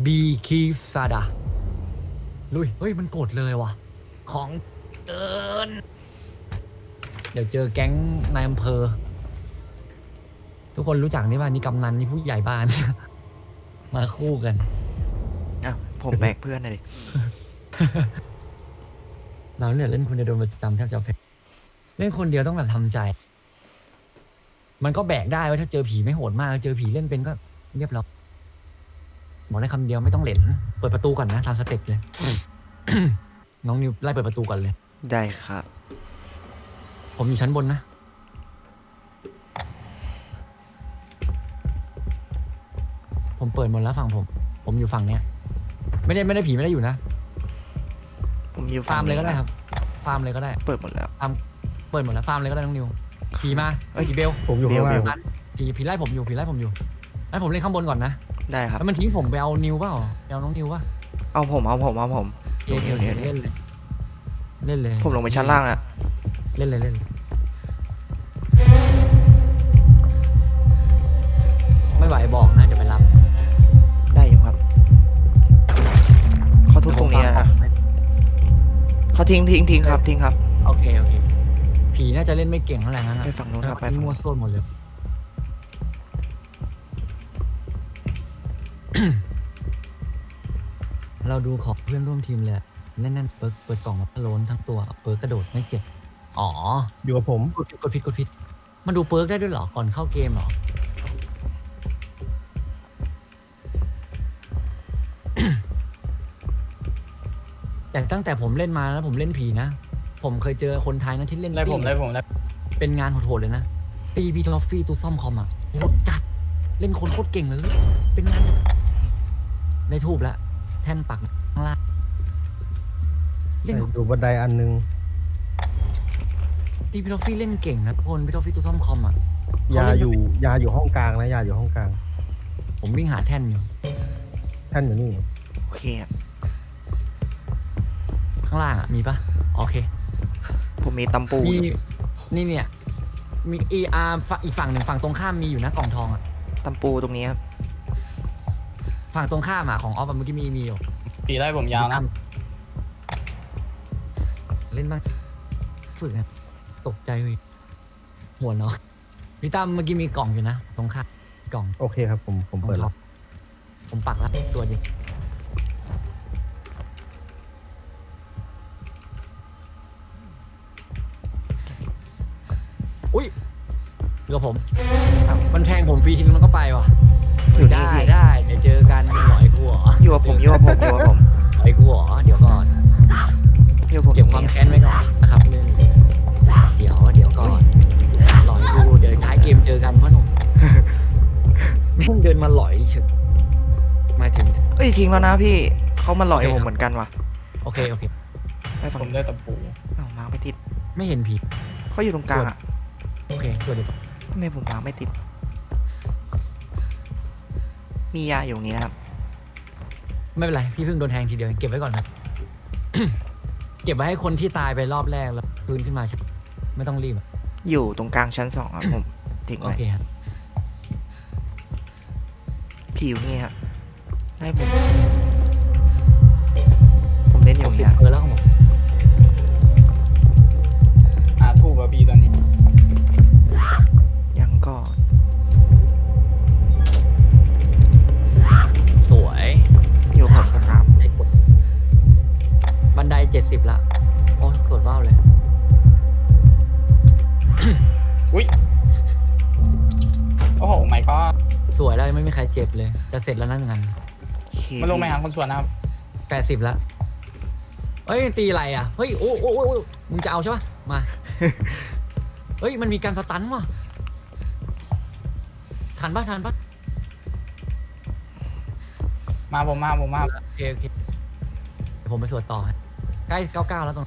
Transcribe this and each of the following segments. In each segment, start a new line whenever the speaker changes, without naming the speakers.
บีคีซาดาลุยเฮ้ยมันกดเลยว่ะของเกินเดี๋ยวเจอแก๊งนายอำเภอทุกคนรู้จักนี่ป่ะนี่กำนันนี่ผู้ใหญ่บ้าน มาคู่กัน
อ้าวผมแบกเพื่อนเลยดิ
เราเนี่ยเล่นคนเดียวโดนประจำแทบจะแพ้เล่นคนเดียวต้องแบบทำใจ มันก็แบกได้ว่าถ้าเจอผีไม่โหดมากเจอผีเล่นเป็นก็เรียบร้อยบอกได้คำเดียวไม่ต้องเหลนเปิดประตูก่อนนะตามสเต็ปเลย น้องนิวไล่เปิดประตูก่อนเลย
ได้ครับ
ผมอยู่ชั้นบนนะผมเปิดหมดแล้วฝั่งผมอยู่ฝั่งเนี้ยไม่ได้ผีไม่ได้อยู่นะ
ผมอยู่
ฟาร์มเลยก็ได้ครับฟาร์มเลยก็ได้
เปิดหมดแล้ว
เปิดหมดแล้วฟาร์มเลยก็ได้น้องนิวผีมา
เอ้ย
ผีเบล
ผมอยู่ข้างล่าง
ผีไล่ผมอยู่ให้ผมเล่นข้างบนก่อนนะ
ได้ครับ
แล้วมันทิ้งผมไปเอานิวเปล่าไปเอาน้องนิวป่ะ
เอาผม
โอเคเล่นเลย
ผมลงไปชั้นล่างแล้ว
เล่นเลยไม่ไหวบอกนะเดี๋ยวไปรับ
ได้อยู่ครับเขาทุบตรงนี้นะเขาทิ้งครับทิ้งครับ
โอเคผีน่าจะเล่นไม่เก่งเท่าไหร่งั้น
ไปฝั่งนู้นครับไป
ไป
ฝั่ง
มั่
นู้
วน ซั่วหมดเลย เราดูของเพื่อนร่วมทีมเลยแน่นๆเปิดกล่องมาพะโล้นทั้งตัวเปิร์กกระโดดไม่เจ็บอ๋อ
อยู่กับผม
กดผิดมันดูเปิร์กได้ด้วยเหรอก่อนเข้าเกมเหรอ แต่ตั้งแต่ผมเล่นมาแล้วผมเล่นผีนะผมเคยเจอคนไทยนะที่เล่น
ได้ผม
เป็นงานโหดๆเลยนะตีบีทอฟฟี่ตู้ซ่อมคอมอ่ะโหดจัดเล่นคนโคตรเก่งเลยเป็นงานได้ทูบแล้วแท่นปักข้างล่างเล่น
อยู่บันไดอันนึง
ตีบีทอฟฟี่เล่นเก่งนะทุกคนบีทอฟฟี่ตู้ซ่อมคอมอ่ะ
ยาอยู่ห้องกลางนะยาอยู่ห้องกลาง
ผมวิ่งหาแท่นอยู่
ท่านอยู่นี่
โอเคครับ
ข้างล่างอ่ะมีปะโอเค
ผมมีตำปู
มี
อยู่
นี่เนี่ยมีอีกฝั่งหนึ่งฝั่งตรงข้ามมีอยู่นะกล่องทองอ่ะ
ตำปูตรงนี้ครับ
ฝั่งตรงข้ามอ่ะของออฟเมื่อกี้มีอยู่
ปีไล่ผมยาวนะ
เล่นบ้างฝึกอะตกใจเลยหัวเนาะพี่ตั้มเมื่อกี้มีกล่องอยู่นะตรงข้ามกล่อง
โอเคครับผมเปิดแล้ว
ผมปักแล้วตัวเดียวอุ้ยเรือผม
อ้าว
มันแทงผมฟรีทีนึงมันก็ไปว่ะ
อยู่นี่
ได้
พี่
ได้เดี๋ยวเจอกันหน่อยกูเหรอ
อยู่กับผมอยู่กับผมอยู่กับผม
หน่อยกูเหรอเดี๋ยวก่อน
อยู่กับผม
เก็บ
ต
ค
ร
วาง ม
นี้
แค้นไว้ก่อนนะครับเรื่องเดี๋ยวก่อนหลอยกูเดี๋ยวท้ายเกมเจอกันพ่อหนุ่ม แม่งเดินมาหลอยเฉยมาถึง
เอ้ยทิ้งแล้วนะพี่เขามาหลอย
โอเค
ผม
ครับ
เหมือนกันว่ะ
โอเค
ไปฝั่ง
ผม
นู้น
ได้ตะปู
อ้าวมาไม่ติด
ไม่เห็นผี
เขาอยู่ตรงกลางอ่ะ
โอเคส่วนเดี๋ยว
ทำไมผมวางไม่ติด มียาอยู่ตรงนี้นะครับ
ไม่เป็นไรพี่เพิ่งโดนแทงทีเดียวเก็บไว้ก่อนครับ เก็บไว้ให้คนที่ตายไปรอบแรกแล้วฟื้นขึ้นมาใช่ไม่ต้องรีบอะ
อยู่ตรงกลางชั้น 2ครับผมทิ้ง
โอ
ไว้
เคครับ
ผิวนี่ครับได้ผมเล่นอยู่
60
เนี่ย
แล้วของผม
ทูบอะพี่ตอนนี้
ยังก่อน
สวย
อยู่ผมครับ
ได้กดบันได70ละโอ้สดว้าวเลย
อุ้ยโอ้โหไม่ก็
สวยแล้วยังไม่มีใครเจ็บเลยจะเสร็จแล้วนั่นงาน
โอเค
มันลงไปหาคนสวนนะครับ
80ละเฮ้ยตีอะไรอ่ะเฮ้ยโอ้มึงจะเอาใช่ปะมา เฮ้ยมันมีการสตันว่ะทันปะ
มาผมมา
โอเคเดี๋ยวผมไปสวดต่อฮะใกล้99แล้วตรง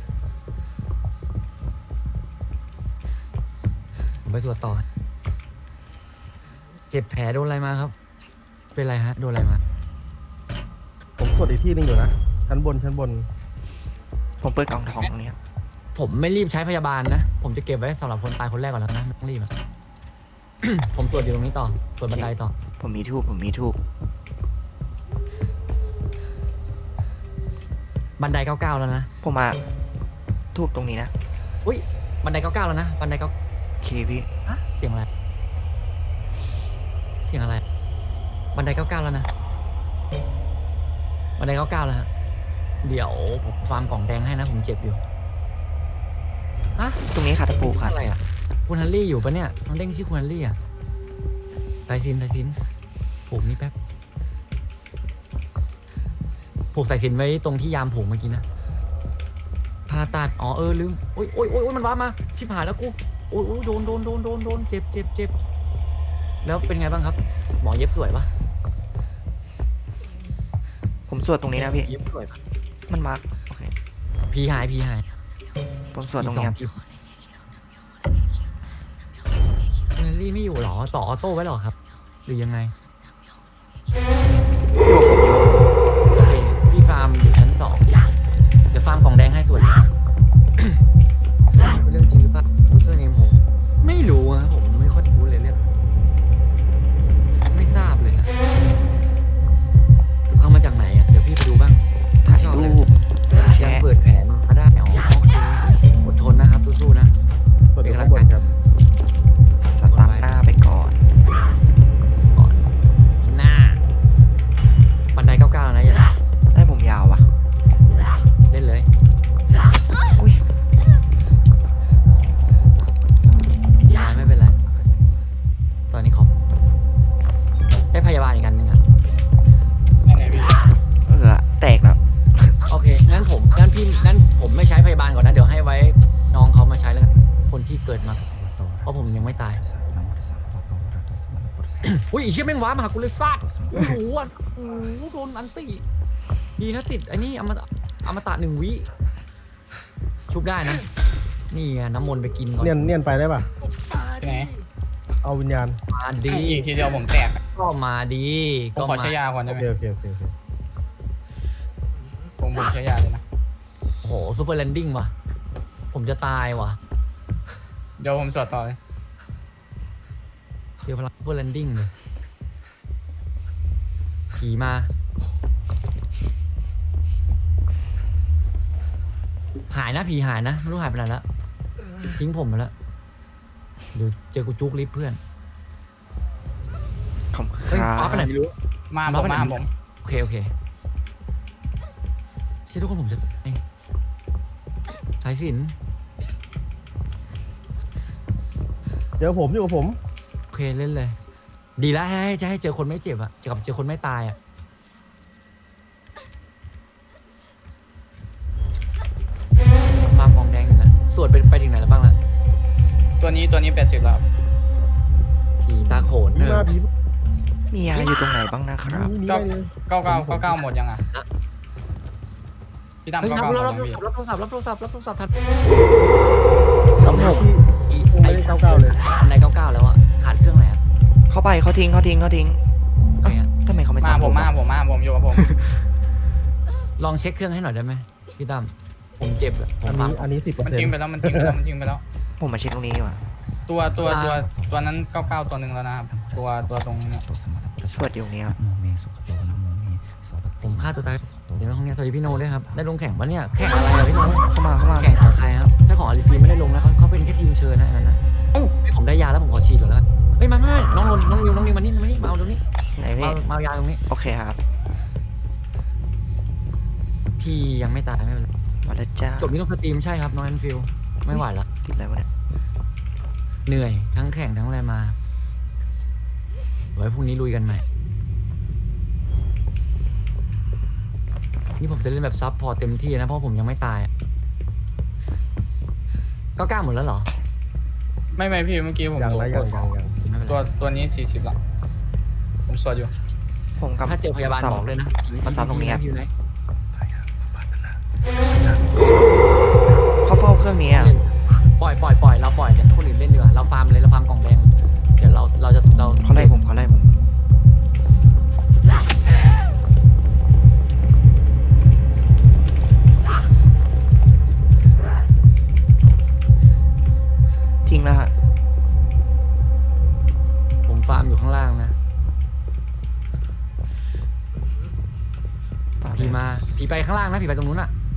ผมไปสวดต่อฮะเจ็บแผลโดนอะไรมาครับ เป็นไรฮะโดนอะไรมา
ผมกดอีกที่นึงอยู่นะชั้นบน
ผมเปิดกล่องทองตรงนี้ครับ
ผมไม่รีบใช้พยาบาลนะผมจะเก็บไว้สำหรับคนตายคนแรกก่อนแล้วนะไม่ต้องรีบอะ ผมสวดอยู่ตรงนี้ต่อสวดบันไดต่อ
ผมมีทูบ
บันได99แล้วนะ
ผมมาทูบตรงนี้นะ
อุ้ยบันได99แล้วนะบันได9
โอเคพี่
เสียงอะไรเสียงอะไรบันได99แล้วนะบันได99แล้วฮะเดี๋ยวผมฟาร์มกล่องแดงให้นะผมเจ็บอยู่ฮะ
ตรงนี้ค่ะตะปูค่ะ
อะไรอ่ะคุณฮันรี่อยู่ปะเนี่ยน้องเด้งชื่อคุณฮันรี่อ่ะสายสินผูกนี่แป๊บผูกสายสินไว้ตรงที่ยามผูกเมื่อกี้นะผ่าตัดอ๋อลืมโอ้ยมันว้ามาชิบหายแล้วกูโอ้ยโดนเจ็บแล้วเป็นไงบ้างครับหมอเย็บสวยปะ
ผมสวดตรงนี้นะพี่
เย็บสวยปะ
มันมาร์กโอเค
พีหาย
ผมสวดตรงนี้ครับ
คุณฮันรี่ไม่อยู่หรอต่อออโต้ไว้หรอครับ หรือยังไง โอเคพี่ฟาร์มอยู่ชั้น2เดี๋ยวฟาร์มกล่องแดงให้ส่วน เรื่องจริงหรือเปล่ายูเซอร์เนมผมไม่รู้อะผมไม่ค่อยรู้เลยเรื่องไม่ทราบเลยอะเอามาจากไหนอะเดี๋ยวพี่ไปดูบ้าง
ถ่าย
ชอบเลย
รูป
ยัง
แชร์
เปิดแผนมาได้อ๋อโอเคอดทนนะครับสู้ๆนะ
กดอยู่ข้างบนครับ
สตาร์ทหน้าไปก่อน
ก่อนหน้าบันได99แล้วนะอย่า
ได้ผมยาววะ
เล่นเลย
อุ้ย
ไม่เป็นไรตอนนี้ขอได้พยาบาลอีกอันหนึ่งอะ
ไหนๆพี่
แตกแล้ว
โอเคงั้นผมไม่ใช้พยาบาลก่อนนะเดี๋ยวให้ไว้น้องเขามาใช้แล้วกันคนที่เกิดมาเพราะผมยังไม่ตาย อุ้ยไอ้เชี่ยแม่งว้ามาหากูเลยซาดโอ้โหอ่ะโอ้โหโดนอันตีดีนะติดไอ้นี่อมตะ1 วิชุบได้นะ นี่ไงน้ำมนต์ไปกินก่อน
เนียนไปได้ป่ะ
ที่ไหน
เอาวิญญาณ
มาดี
อีกทีเดียวผมแตกอะ
ก็มาดี
ผมขอใช้ยาก่อน
โอ
ได้ไหม
เคโอเค
ผมใช้ยาเลยนะ
โอ้โหซูเปอร์แลนดิ้งว่ะ ผมจะตายว่ะ
เดี๋ยวผมสวดต่อเลย
เจอพลังซูเปอร์แลนดิ้งเลยผีมาหายนะผีหายนะไม่รู้หายไปไหนแล้วทิ้งผมไปแล้วเดี๋ยวเจอกูจุกลิฟต์เพื่อน
ขอบคุณ
เฮ้ย
ครั
ป้า
บ
ไปไหนไม่รู้
มา
มา
ผม
ปะเนี่ย
มาผม
โอเคเชื่อทุกคนผมจะสายสิน
เดี๋ยวผมอยู่กับผม
โอเคเล่นเลย ดีแล้วจะให้เจอคนไม่เจ็บอะกับเจอคนไม่ตายอะฟาร์มกองแดงอยู่นะสวดไปถึงไหนแล้วบ้างล่ะ
ตัวนี้80แล้ว
ผีตาโขน
ผีมาผี
มียาอยู่ตรงไหนบ้างนะครับ
นี่ได้เลย
99หมดยังอ่ะพี่ตั้ม
เฮ้ย
99หมด
รับ
ยังพี่
โทรศัพท์ทัน
สามหก
ที่
อี
ไม่ได้99เลย
ใน99แล้วอะขาดเครื่องอะไรอะ
เข้าไปเขาทิ้ง
ไหนอะ
ทำไมเขาไม่
มา
ซ้ำ
ผม
อะ
ผมอยู่กับผม
ลองเช็คเครื่องให้หน่อยได้ไหมพี่ตั้มผมเจ็บอะผม
อันนี้10%
มันทิ้งไปแล้วมันทิ้งไปแล้ว
ผมมาเช็คตรงนี้ดีกว่า
ตัวนั้น99ตัวหนึ่งแล้วนะครับตัวตรงเนี้ย
สวดอยู่ตรงนี้ครับ
ผมฆ่าตัวตายเดี๋ยวห้องเนี้ยสวัสดีพี่โนด้วยครับได้ลงแข่งปะเนี่ยแข่งอะไรอะพี่โน
เข้ามา
แข่งของใครครับถ้าของอาริฟีไม่ได้ลงนะเขาเป็นแค่ทีมเชิญนะอันนั้นนะผมได้ยาแล้วผมขอฉีดก่อนแล้วกันเฮ้ยไม่น้องนิวมานี่มาเอาตรงนี้
ไหนพี่
มาเอายาตรงนี้
โอเคครับ
พี่ยังไม่ตายไม่เป็นไร
มาแล้วจ้า
จบนี้ต้องสตรีมใช่ครับน้องแอนฟิลไม่ไหวละ
ติดอะไรวะเนี่ย
เหนื่อยทั้งแข่งทั้งอะไรมาไว้พรุ่งนี้ลุยกันใหม่นี่ผมจะเล่นแบบซับพอร์ตเต็มที่นะเพราะผมยังไม่ตาย99หมดแล้วเหรอ
ไม่พี่เมื่อกี้ผม
ยัง
ดู
นะยัง
ไม่เป็นไร
ตัวนี้40แล้วผมสวดอยู่
ผมกับ
ถ้าเจอพยาบาลบอกเลยนะ
มาซ้ำตรงนี้ครับ
อยู่ไหน
เขาเฝ้าเครื่องนี้อะ
ปล่อยเราปล่อยเดี๋ยวคนอื่นเล่นดีกว่าเราฟาร์มเลยเราฟาร์มกล่องแดงเดี๋ยวเราจะ
เขาไล่ผมทิ้งแล้วฮะ
ผมฟาร์มอยู่ข้างล่างนะ
ป่า
ผีมาผีไปข้างล่างนะผีไปตรงนู้นอ่ะ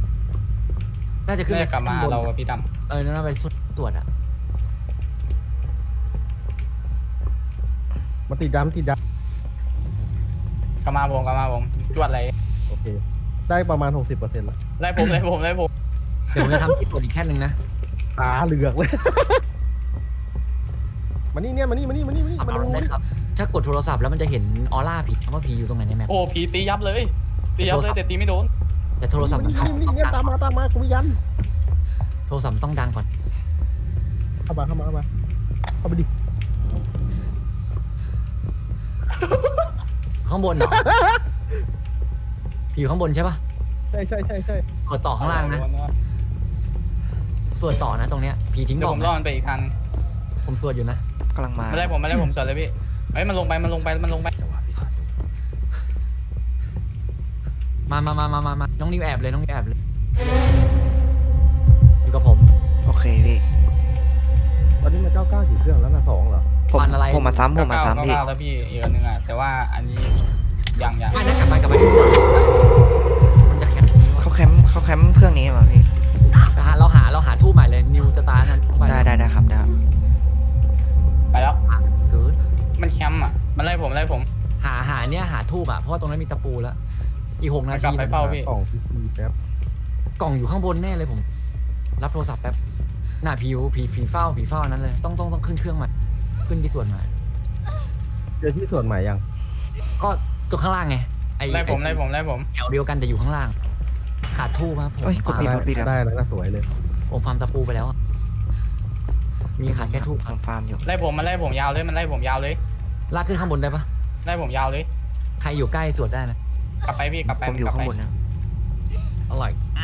น่าจะขึ้น
น่า
ไป
จะกลับมาหาเราอะพี่ด
น่าไปตรวจอะ
มันติดดำติดด
ำกลับมาผมจวดอะไร
ำโอเค ได้ประมาณ 60%แล้ว
ไล่ผมไล่ผมไล่ผม
เดี๋ยวผมจะทำที่ตรวจอีกแค่นึงนะ
ตาเหลือกเลย มานี่เนี่ยมานี่
ขับ
มา
เอา
ดู
ได้ครับ ถ้ากดโทรศัพท์แล้วมันจะเห็นออร่าผีว่าผีอยู่ตรงไหนในแมป
โอ้ผีตียับเลยตียับเลยแต่ตีไม่โดน
แต่โทรศัพท์มัน
มานี่เนี่ยตามมากูมียัน
โทรศัพท์ต้องดังก่อน
เข้ามาเข้าไปดิ
ข้างบนเหรอ ผีอยู่ข้างบนใช่ปะ
ใช่
กดต่อข้างล่างนะสวดต่อนะตรงเนี้ยผีทิ้ง
เดี๋
บ
ยว
อก
ผมล่อ
นะ
มันไปอีกทาง
ผมสวดอยู่นะ
กำลังมา
ไม่ไล่ผมสวนเลยพี่เฮ้ยมันลงไป
มาน้องนิวแอบเลยน้องนิวแอบเลย อยู่กับผม
โอเคพี่
ตอนนี้มัน99กี่เครื่องแล้วนะ2เหรอ
ผม
ฟันอะไร
ผมมาซ้ำพี่
เก้าแล้วพี่อีกอันหนึงอ่ะแต่ว่าอันนี้ยัง
ไม่นะกลับไปที่สวนมันจะแคป
เขาแคมป์เครื่องนี้มาพี่
เราหาทูบใหม่เลยนิวจะตายนั้นต้องไป
ได้ครับได้ครับ
ไปแล้ว
เกิด
มันแคมป์อ่ะมันไล่ผม
หาทูบอ่ะเพราะว่าตรงนั้นมีตะปูแล้ว อีก6 นา
กลั
ที
บไปเฝ้าพี่
กล่องพีซีแป๊บ
กล่องอยู่ข้างบนแน่เลยผม รับโทรศัพท์แป๊บหน้าผีเฝ้าอันนั้นเลยต้องขึ้นเครื่องใหม่ขึ้นที่ส่วนใหม่
เจอที่ส่วนใหม่ยัง
ก็ตัวข้างล่างไงไอ้
ไล่ผม
แถวเดียวกันแต่อยู่ข้างล่าง ขาดทูบครับผม
เอ้ยกดผิด
ได้แล้วนะสวยเลย
ผมฟาร์มตะปูไปแล้วอะมีขาดแค่ทูบ
ผมฟาร์มอยู่
มันไล่ผมยาวเลยมันไล่ผมยาวเลย
ลากขึ้นข้างบนได้ปะ
ไล่ผมยาวเลย
ใครอยู่ใกล้สวดได้นะ
กลับไปพี่กลับไป
ผมอยู่ข้างบนนะ
อร่อยอ่ะ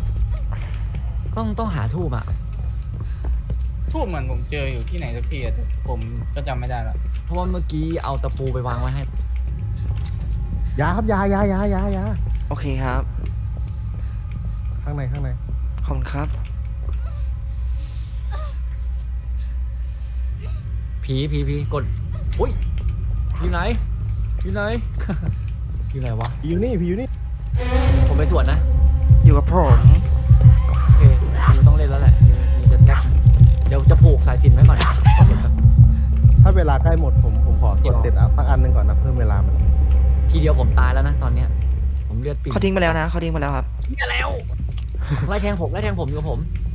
ต้องหาทูบอ่ะ
ทูบเหมือนผมเจออยู่ที่ไหนสักที่แต่ผมก็จำไม่ได้แล้ว
เพราะว่าเมื่อกี้เอาตะปูไปวางไว้ให้
ยาครับยา
โอเคครับ
ข้างใน
ขอบคุณครับ
ผีกดอุ้ยอยู่ไหน อยู่ไหน อยู่ไหนวะ
ผีอยู่นี่
ผมไปสวดนะ
อยู่กับผม
โอเคนิวต้องเล่นแล้วแหละนิวจะแก๊กเดี๋ยวจะผูกสายสิญจนไว้ก่อน
ถ้าเวลาใกล้หมดผมขอตรวจเสร็จสักอันหนึ่งก่อนนะเพิ่มเวลามัน
ทีเดียวผมตายแล้วนะตอนเนี้ย ผมเลือดปิ่ม
เขาทิ้งไปแล้วครับ
เนี่ยแล้ว ไล่แทงผมอยู่กับผม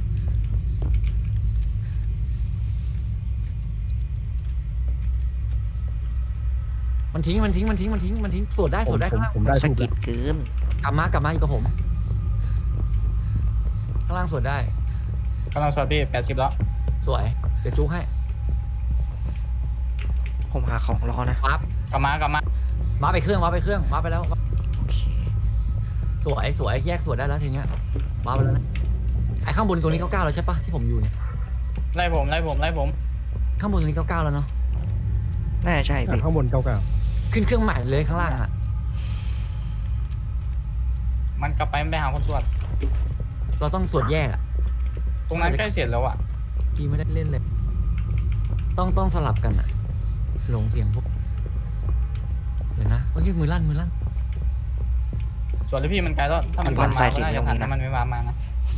มันทิ้งสวดได้ข้างล่าง
ผมได้
สะ
ถูก
กิดเกิน
กลับมาอยู่กับผม ข้างล่างสวดได้
กำลังสวดพี่80แล้ว
สวย เดี๋ยวจุกให้
ผมหาของรอนะ
ปั๊บ
กลับมา
มาไปเครื่องมาไปแล้ว
โอเค
สวยแยกสวดได้แล้วทีเนี้ยมาไปแล้วนะไอ้ข้างบนตรงนี้99แล้วใช่ปะที่ผมอยู่เนี่ย
ไล่ผม
ข้างบนตรงนี้99แล้วเนาะ
น่าจะใช่พี่
ข้างบน99
ขึ้นเครื่องใหม่เลยข้างล่างอ่ะ
มันกลับไปหาคนสวด
เราต้องสวดแยกอ่ะ
ตรงนั้นใกล้เสร็จแล้วอ่ะ
พี่ไม่ได้เล่นเลย ต้องสลับกันอ่ะหลงเสียงพวกเดี๋ยวนะโอ้ยมือลั่น
ส่วนที่พี่มันไกลแล้วถ้ามันมาก็น่าจะทันถ้ามันไม่มานะ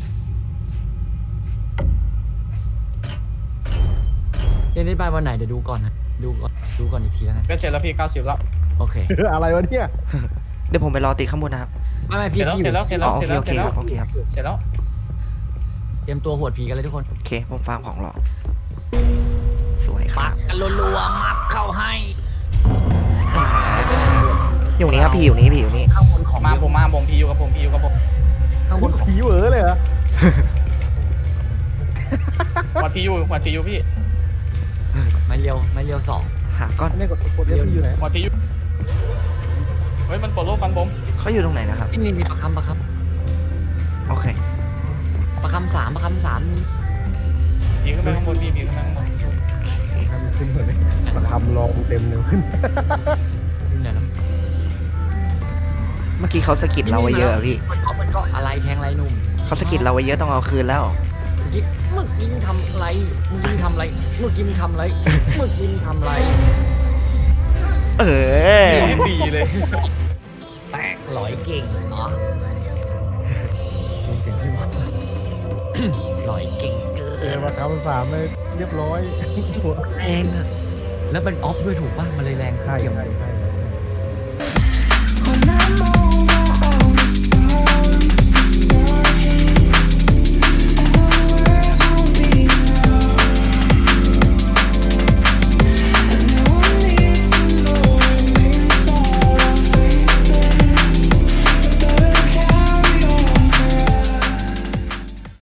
เล่นได้ไปวันไหนเดี๋ยวดูก่อนนะดูก่อนอีกทีแล้วกัน
ก็เสร็จแล้วพี่90แล้ว
โอเค
อะไรวะเนี่ย
เดี๋ยวผมไปรอติดข้างบนนะครับ
ไม่พี่
เสร็จแล้ว
อ๋อโอเคครับ โอเคครับ
เสร็จแล้ว
เตรียมตัวหวดผีกันเลยทุกคน
โอเค ผมฟาร์มของรอ สวยค
ปั
รับ
กกันรัวๆมับเข้าให้
อยู่นี่ครับพี่อยู่นี่
ข้างบนของ
ผมพี่อยู่กับผม
ข้างบนของ
ผีเหวอเลยเหรอ
หวัดพี่อยู่พี่
ไม่เลี้ยว2
หาก้อน
อันนี้กดเรียกพี่อยู่ไหน
หวัดพี่อยู่เฮ้ยมันปลดโลกฟันผม
เขาอยู่ตรงไหนนะครับ
นี่มีประคำ
โอเค
ประคำ3นี่
พี่ขึ้นไปข้างบนพี่ขึ้นไปข้างบน
ทำขึ้นเลยมาทำลองเต็มเลยขึ้น
นี่ไหนแล้ว
เมื่อกี้เขาสะกิดเราไว้เยอะอะพี่
มันก็อะไรแทงไรหนุ่ม
เขาสะกิดเราไว้เยอะต้องเอาคืนแล้ว
เมื่อกี้มึงยิงทำอะไรเมื่อกี้มึงทำอะไร
เออ
ดีเลย
แตกหลอยเก่งเนาะเสียงที่วัดหล่อยเก่งเกิ
เจอน มาครับสามเลยเรียบร้อย
แรงอะแล้วเป็นออฟด้วยถูกป่ะมันเลยแรง
ใช่
เกี่ยว
ใช่ใช่
When I'm